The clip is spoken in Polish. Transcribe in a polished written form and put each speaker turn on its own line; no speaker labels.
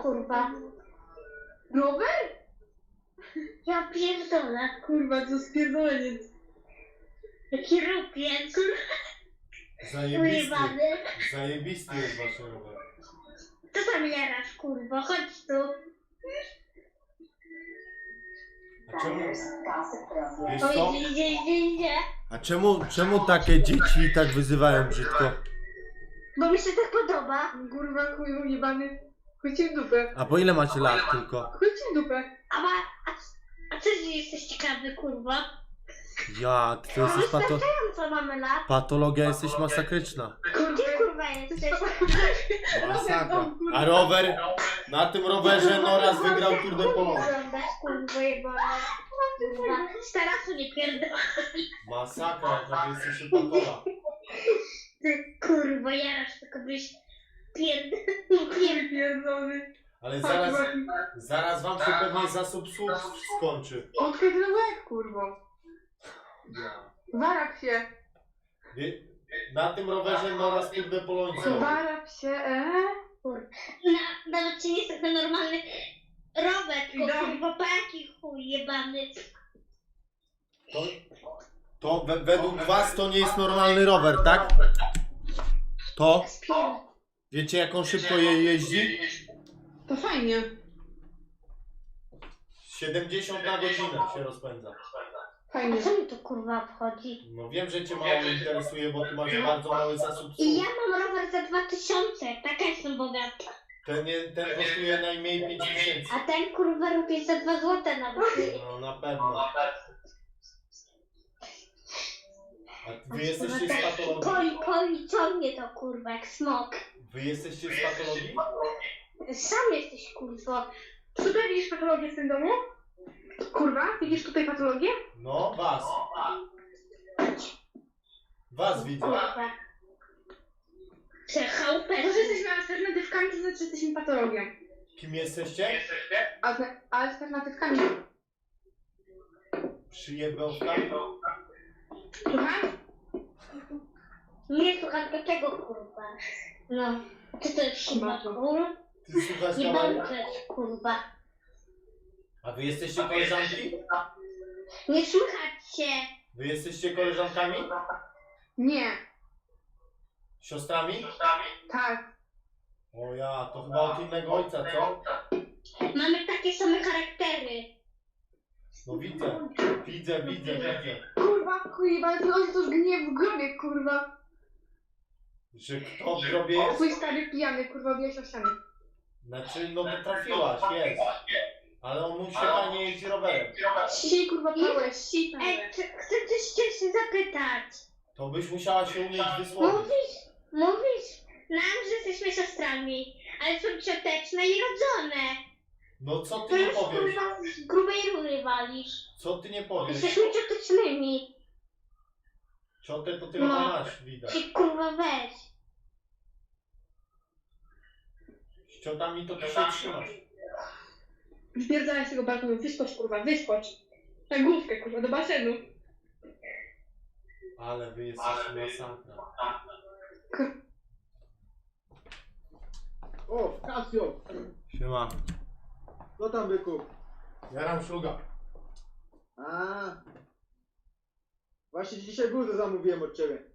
kurwa.
Rower?
Ja pierdolę.
Kurwa, to spierdoleniec.
Jaki rupiec.
Zajebisty.
Ujebany.
Zajebisty jest wasz rower.
Co tam jarasz, kurwa? Chodź tu.
A czemu? Wiesz
Oj,
co?
idzie.
A czemu takie dzieci tak wyzywają brzydko?
Bo mi się tak podoba.
Kurwa, chuju jebany. Chuj ci w dupę.
A po ile macie lat tylko?
Chuj ci w dupę.
A co jesteś ciekawy, kurwa?
Jak? Ty jesteś
Co mamy lat?
patologia, jesteś masakryczna.
Gdzie kurwa jesteś?
Masakra. A rower? Na tym rowerze no raz wygrał Tour de Pologne.
Oglądasz, kurwa, jebana. Kurwa. Z tarasu nie pierdolę.
Masakra, jaka wy jesteście patola.
Ty kurwa jarasz, tylko byś
Pierdolony.
Ale zaraz wam się pewnie zasób słów skończy.
Odkryj ten łeb, kurwo. Warap się.
Na tym rowerze no raz Tour de Pologne.
Warap się,
Nawet ci nie jest taki normalny rower, tylko kurwa paki chuj jebany.
To według was to nie jest normalny rower, tak? To? Wiecie jak on szybko jeździ?
To fajnie.
70 na godzinę się rozpędza.
Fajnie.
A co mi to kurwa obchodzi?
No wiem, że cię mało interesuje, bo ty masz bardzo mały zasób
I ja
słów.
mam rower za 2000, taka jestem bogata.
Ten kosztuje najmniej 5000.
A ten kurwa robi za 2 złote nawet.
No na pewno. A wy jesteście z patologii?
Poli ciągnie to kurwa jak smok.
Wy jesteście z patologii?
Sam jesteś kurwa.
Tutaj widzisz patologię w tym domu? Kurwa, widzisz tutaj patologię?
No, was. Was widzę.
Kurwa. Chałupę.
To, że jesteśmy alternatywkami, to znaczy, że jesteśmy patologią.
Kim jesteście?
Alternatywkami.
Przyjebałkami?
Słucham?
Nie słucham do tego kurwa. No. Czy to jest kurwa kurwa?
Ty słuchasz
Nie
kamery?
mam to jest kurwa.
A wy jesteście koleżanki?
Nie słuchać się.
Wy jesteście koleżankami?
Nie.
Siostrami?
Tak.
O ja, to chyba od innego ojca, co?
Mamy takie same charaktery.
No widzę.
Kurwa, kurwa, ty ojciec już gniew w grobie, kurwa.
Że kto w grobie jest?
Twój stary pijany, kurwa, bijesz o ścianę.
Znaczy, no to trafiłaś, jest. Ale on musi fajnie jeździć rowerem.
Sij, kurwa, pałeś, sij.
Ej, chcę coś się zapytać.
To byś musiała się umieć wysłowić.
Mówisz nam, że jesteśmy siostrami, ale są cioteczne i rodzone.
No co
To
ty nie
już
powiesz?
kurwa z grubej rury walisz.
Co ty nie powiesz?
Jesteśmy ciotecznymi.
Ciotę to tylko masz, widać.
Ty kurwa weź.
Z ciotami to ty się trzymasz.
Wpierdalaj z tego balkonu, wyskocz, kurwa, wyskocz. Na główkę, kurwa, do basenu.
Ale wy jesteście masakra.
O, Kasio!
Siema.
Co tam byku?
Jaram szluga.
A. Właśnie dzisiaj bluzę zamówiłem od ciebie.